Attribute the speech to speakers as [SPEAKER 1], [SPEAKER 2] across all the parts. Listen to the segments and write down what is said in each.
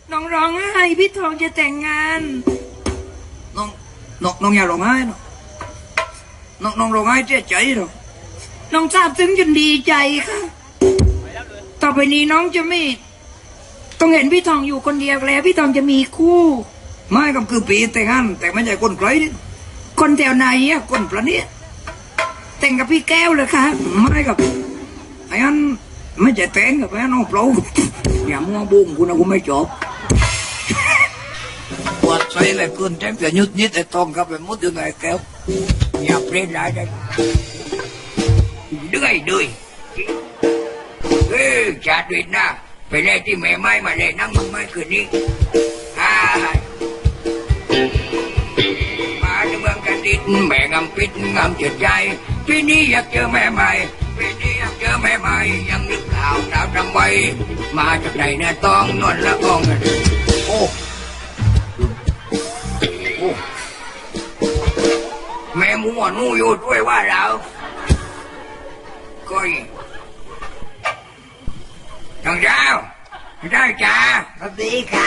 [SPEAKER 1] น้องร้องไห้พี่ทองจะแต่งงาน
[SPEAKER 2] น้องอย่าร้องไห้เนาะน้องร้องไห้เสียใจหรอ
[SPEAKER 1] น้องซาบซึ้งจนดีใจค่ะต่อไปนี้น้องจะไม่ต้องเห็นพี่ทองอยู่คนเดียวแล้วพี่ทองจะมีคู่
[SPEAKER 2] ไม่ก็คือปีแต่งงานแต่ไม่ใช่คนไกลนี่
[SPEAKER 1] คนแถวไหนอะ
[SPEAKER 2] คนประเนี้ย
[SPEAKER 1] แต่งกับพี่แก้วเลยค่ะ
[SPEAKER 2] ไม่กับไอ้อันไม่ใช่แต่งกับไอ้อันน้องเปล่าอย่ามัวบุ้งกูนะกูไม่จบปวดใจเลยเกินแจ้งแต่ยุดนิดไอ้ทองกับไปมุดอยู่ไหนแก้วอย่าเปลี่ยนได้ได้ด้วยจัดด้วยนะไปเล่ที่แม่ไม้มาเล่นั่งมึงไม่คืนนี้มาในเมืองกันดินแม่งำปิดงำจิตใจปีนี้อยากเจอแม่ใหม่ปีนี้อยากเจอแม่ใหม่ยังนึกข่าวดาวดำไว้มาจากไหนเนี่ยต้องนวลละอ่องโอ้แม่มัวนู่อยู่ด้วยว่าเราก็จังเจ้าได้จ้าสวัสดีค่ะ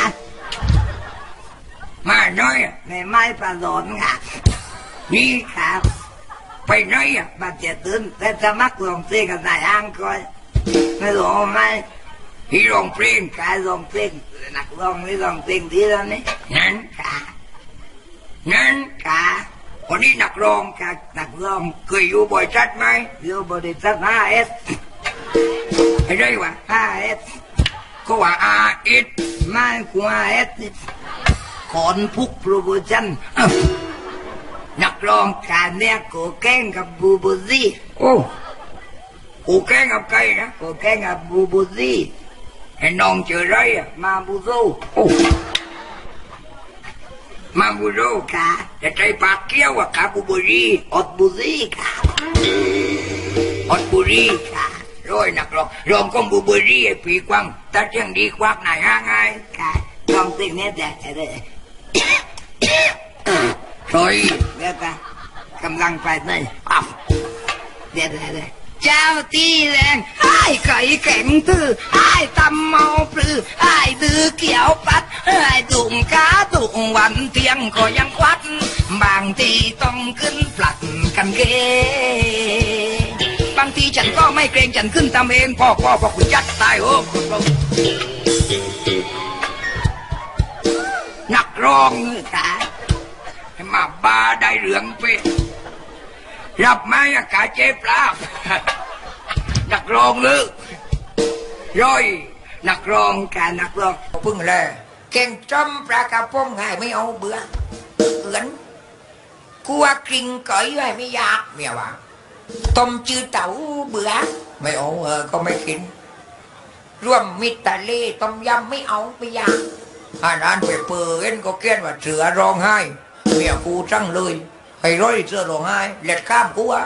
[SPEAKER 2] มาหน่อยไม่ไม่ประโดนค่ะนี่ค่ะไปไหนอ่ะมาเจ็ดตื่นแต่จะมักลงเพลงกันนายอ้างก่อนไม่ลงไหมที่ลงเพลงกายลงเพลงนักลงนี่ลงเพลงดีแล้วนี่นั่นค่ะคนนี้นักร้องค่ะนักร้องเคยอยู่บริษัทไหมอยู่บริษัท5S ไอ้ไรวะ5S ก็ว่า RS ไม่กว่า S ขอนพุกโปรโมชั่นนักร้องการเนี่ยโกแก้งกับบูบูซี่โอ้โกแก้งกับใครนะโกแก้งกับบูบูซี่ไอ้น้องเจอไรอ่ะมาบูโซโอ้มาบูโซค่ะจะใจปากเกี้ยวอ่ะค่ะบูบูรีอดบูซี่ค่ะอดบูรีค่ะร้อยนักร้องก็บูบูรีไอ้ปีกวังแต่เชียงดีควักไหนห่างไงค่ะลองสิ่งนี้แต่เลยซอยเดี๋ยวกันกำลังไปเลยปั๊บเดี๋ยวเจ้าตีแรงไอ้ไก่แข็งตื้อไอ้ตำเมาปลือไอ้ดื้อเกี่ยวปัดไอ้ดุ่งกาดุ่งวันเที่ยงก็ยังควัดบางทีต้องขึ้นปลัดกันเกบางทีฉันก็ไม่เกรงฉันขึ้นตามเองพ่อคุณยัดตายโอ้นักร้องค่ะมาบาได้เหลืองไปรับไม้อากาศเจ็บลาบนักร้องลึกร้อยนักร้องการนักร้องพึ่งเลยเก่งจอมปลากระพงง่ายไม่เอาเบื่อเอือนกลัวกริ่งก่อยไว้ไม่อยากเมียวะต้มจืดเต่าเบื่อไม่เอาก็ไม่กินร่วมมิตรทะเลต้มยำไม่เอาไม่อยากอาหารไปเปิดก็เกี้ยนว่าเสือร้องไห้เมียกูจังเลยให้ร้อยเสือร้องไห้เล็ดข้ามกูอ่ะ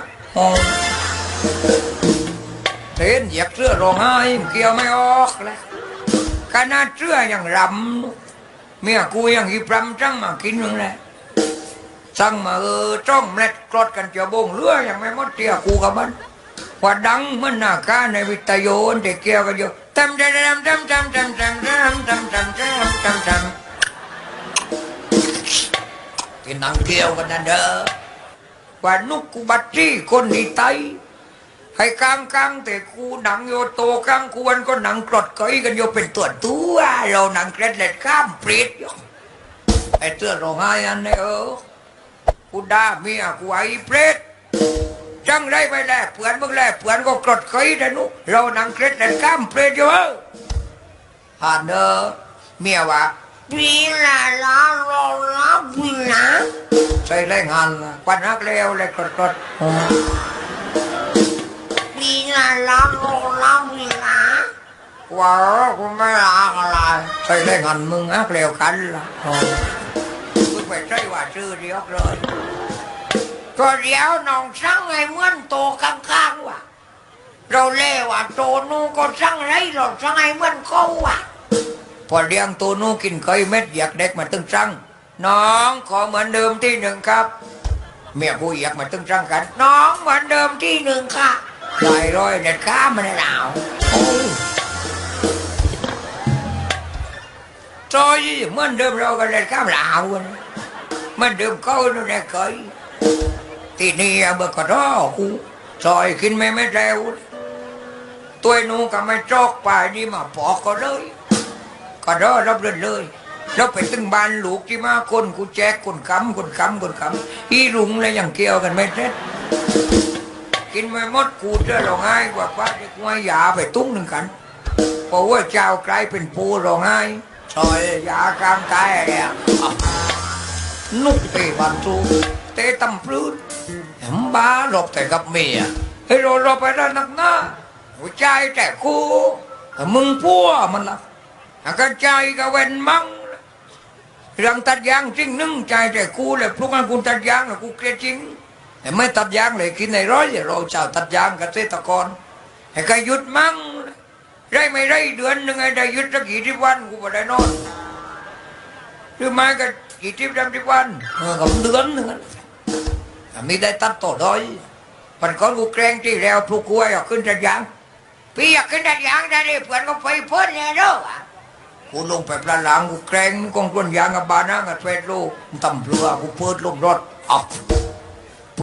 [SPEAKER 2] เห็นเหยียบเสือร้องไห้เกี่ยวไม่ออกเลยขนาดเสือยังรำเมียกูยังหิบรำจังมากินนึงเลยสั่งมาจ้องเล็ดกรดกันเจียวบงเรือยังไม่หมดเตี้ยกูกับมันว่าดังมันหน้าก้าในวิทยุเด็กเกี่ยวกันอยู่ทำกินนังเกี่ยวกันนั่นเด้อว่านุกกูบัดจี้คนดีไตให้กลางแต่กูหนังโยโตกลางกูวันก็หนังกรดก้อยกันโยเป็นตัวเราหนังเกล็ดเล็ดข้ามเปรียดไอ้เตื้อร้องไห้อันนี้กูด่าเมียกูไอ้เปรตจังไรไปแลกเปือนมึงแลกเปือนก็กรดเคยแต่นุเรานังเคล็ดแต่ข้ามเปรตอยู่ฮานเนอเมียวะวีละล้อล้อวีนะใส่แรงงานควันฮักแล้วเลยกรดวีละล้อล้อวีนะว้าวกูไม่รักอะไรใส่แรงงานมึงฮักแล้วกันละมึงไปใช่ว่าชื่อเดียวเลยก็เดี๋ยวน้องสั่งไอ้เหมือนโตข้างๆว่ะเราเล่ว่าโตนู้ก็สั่งไรเราสั่งไอ้เหมือนเขาว่ะพอเลี้ยงโตนู้กินไก่เม็ดอยากเด็กมาตึงสั่งน้องขอเหมือนเดิมที่หนึ่งครับเมียกูอยากมาตึงสั่งกันน้องเหมือนเดิมที่หนึ่งค่ะลอยร้อยเด็ดข้ามันหนาวโตอยเหมือนเดิมเราก็เลยข้ามลาวกันเหมือนเดิมเขาเราได้เคยที่นี่เมื่อก่อนกูซอยกินไม่เร็วตัวนู้ก็ไม่จอกไปนี่มาปอกก็เลยก็รอรับเรื่อยเลยแล้วไปตึงบ้านลูกที่มาคนกูแจกคนคำอีรุงเลยอย่างเกี่ยวกันไม่เซ็ตกินไม่หมดกูจะร้องไห้กว่าป้าจะกว่ายาไปตุ้งหนึ่งกันเพราะว่าเจ้ากลายเป็นปูร้องไห้ซอยยากลางตายอะไรนุกเตะบันทูเตะตำปลื้ดเห็นบ้ารบแต่กับเมียให้เราไปด้านนักหน้าหัวใจแต่กูมึงพัวมันละกระใจก็เว้นมั่งเรื่องตัดยางจริงนึ่งใจแต่กูเลยพวกนั้นกูตัดยางกูเกลียดจริงแต่ไม่ตัดยางเลยกินในร้อยเราเจ้าตัดยางเกษตรกรให้ใครหยุดมั่งได้ไม่ได้เดือนหนึ่งไงได้หยุดสักกี่ที่วันกูไม่ได้นอนหรือไม่ก็กี่ที่ทำที่วันกับเดือนหนึ่งมีได้ตัดต่อด้อยปันก้อนกูแกล้งที่แล้วพวกกูอยากขึ้นตัดยางพี่อยากขึ้นตัดยางได้เลยเพื่อนก็ไปเพิ่นเนี่ยเด้อกูลงไปปลาหลังกูแกล้งกองกวนยางกับบานะกับเฟสโลตำเรือกูเปิดลมรถออก